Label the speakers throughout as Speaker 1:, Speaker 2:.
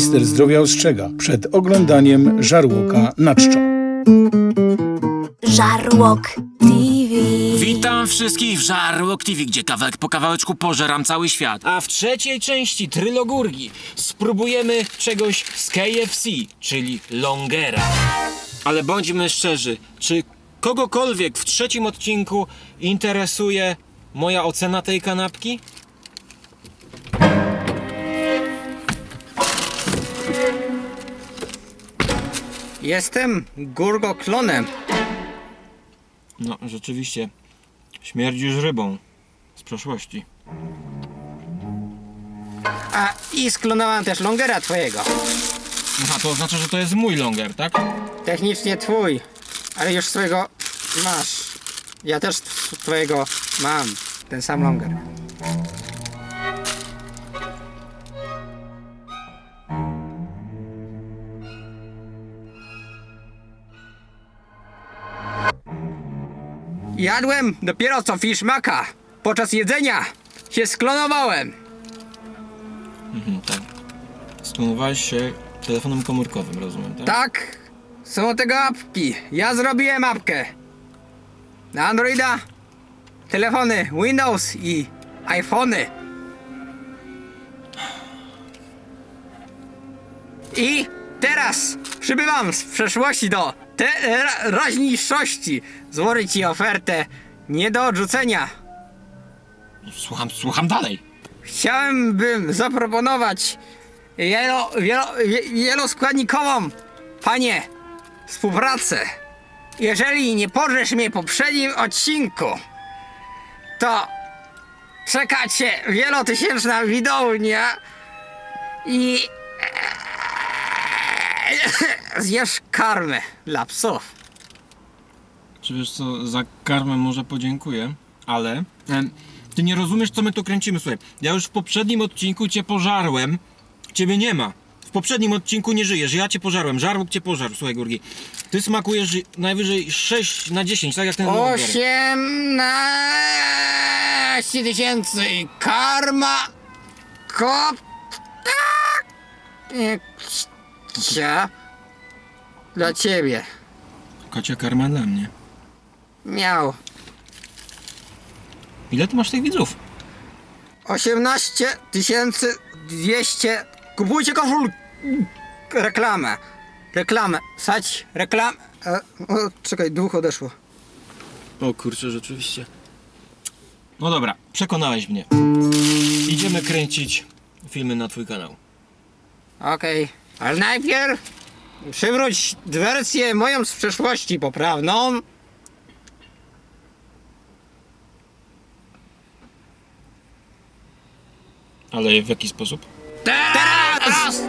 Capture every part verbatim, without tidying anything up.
Speaker 1: Minister zdrowia ostrzega przed oglądaniem żarłoka na czczo.
Speaker 2: Żarłok T V.
Speaker 3: Witam wszystkich w Żarłok T V, gdzie kawałek po kawałeczku pożeram cały świat. A w trzeciej części Trylogurgi spróbujemy czegoś z K F C, czyli longera. Ale bądźmy szczerzy, czy kogokolwiek w trzecim odcinku interesuje moja ocena tej kanapki?
Speaker 4: Jestem Gurgo-klonem.
Speaker 3: No, rzeczywiście, śmierdzisz rybą z przeszłości.
Speaker 4: A i sklonowałem też longera twojego.
Speaker 3: Aha, to oznacza, że to jest mój longer, tak?
Speaker 4: Technicznie twój, ale już swojego masz. Ja też tw- twojego mam. Ten sam longer. Jadłem dopiero co fiszmaka. Podczas jedzenia się sklonowałem.
Speaker 3: Mhm, tak. Sklonowałeś się telefonem komórkowym, rozumiem, tak?
Speaker 4: Tak, są tego apki. Ja zrobiłem apkę. Na Androida, telefony Windows i iPhony. I teraz przybywam z przeszłości do teraźniejszości. Złożę ci ofertę nie do odrzucenia.
Speaker 3: Słucham, słucham dalej.
Speaker 4: Chciałem bym zaproponować wielo, wielo, wie- wieloskładnikową, panie, współpracę. Jeżeli nie pożesz mnie w poprzednim odcinku, to czeka cię wielotysięczna widownia i zjesz karmę dla psów.
Speaker 3: Czy wiesz co, za karmę może podziękuję, ale em, ty nie rozumiesz, co my tu kręcimy. Słuchaj, ja już w poprzednim odcinku cię pożarłem, ciebie nie ma. W poprzednim odcinku nie żyjesz, ja cię pożarłem, żarłok cię pożarł, słuchaj Gurgi. Ty smakujesz najwyżej sześć na dziesięć, tak jak ten longer.
Speaker 4: osiemnaście tysięcy i karma kop cia dla ciebie.
Speaker 3: Kocia karma dla mnie.
Speaker 4: Miał
Speaker 3: Ile ty masz tych widzów?
Speaker 4: osiemnaście tysięcy dwieście. Kupujcie koszul. Reklamę. Reklamę. Sać reklamę. E, o, czekaj, duch odeszło.
Speaker 3: O kurczę, rzeczywiście. No dobra, przekonałeś mnie. Idziemy kręcić filmy na twój kanał.
Speaker 4: Okej, ale najpierw przywróć wersję moją z przeszłości poprawną.
Speaker 3: Ale w jaki sposób?
Speaker 4: Teraz!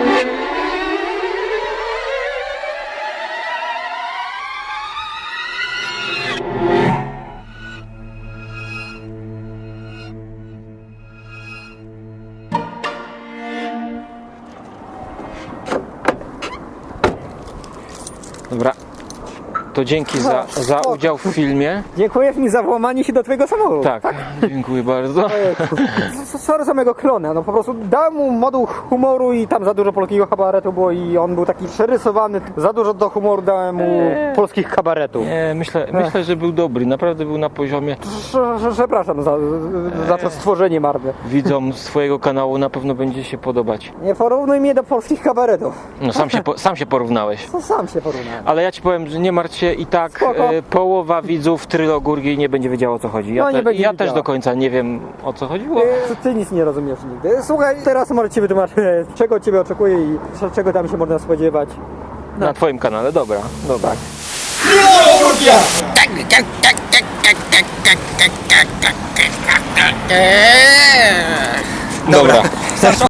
Speaker 5: Dobra, to dzięki za, za udział w filmie.
Speaker 6: Dziękujesz mi za włamanie się do twojego samochodu.
Speaker 5: Tak, dziękuję bardzo.
Speaker 6: S- Sorry za mojego klona, no po prostu dałem mu moduł humoru i tam za dużo polskiego kabaretu było i on był taki przerysowany. Za dużo do humoru dałem mu polskich kabaretów.
Speaker 5: Nie, myślę, myślę, że był dobry, naprawdę był na poziomie.
Speaker 6: Prze- prze- Przepraszam za, za to stworzenie marne.
Speaker 5: Widzom swojego kanału na pewno będzie się podobać.
Speaker 6: Nie porównuj mnie do polskich kabaretów.
Speaker 5: No sam się, po, sam się porównałeś.
Speaker 6: To sam się porównałem.
Speaker 5: Ale ja ci powiem, że nie martw się i tak
Speaker 6: Spoko.
Speaker 5: e, połowa widzów Trylogurgi nie będzie wiedziała o co chodzi. Ja,
Speaker 6: No, nie
Speaker 5: te,
Speaker 6: będzie
Speaker 5: ja
Speaker 6: wiedziała.
Speaker 5: też do końca nie wiem o co chodziło.
Speaker 6: Ty, ty nic nie rozumiesz nigdy. Słuchaj, teraz może ci wytłumaczę, czego ciebie oczekuje i czego tam się można spodziewać.
Speaker 5: Na twoim kanale, dobra, dobra. Dobra.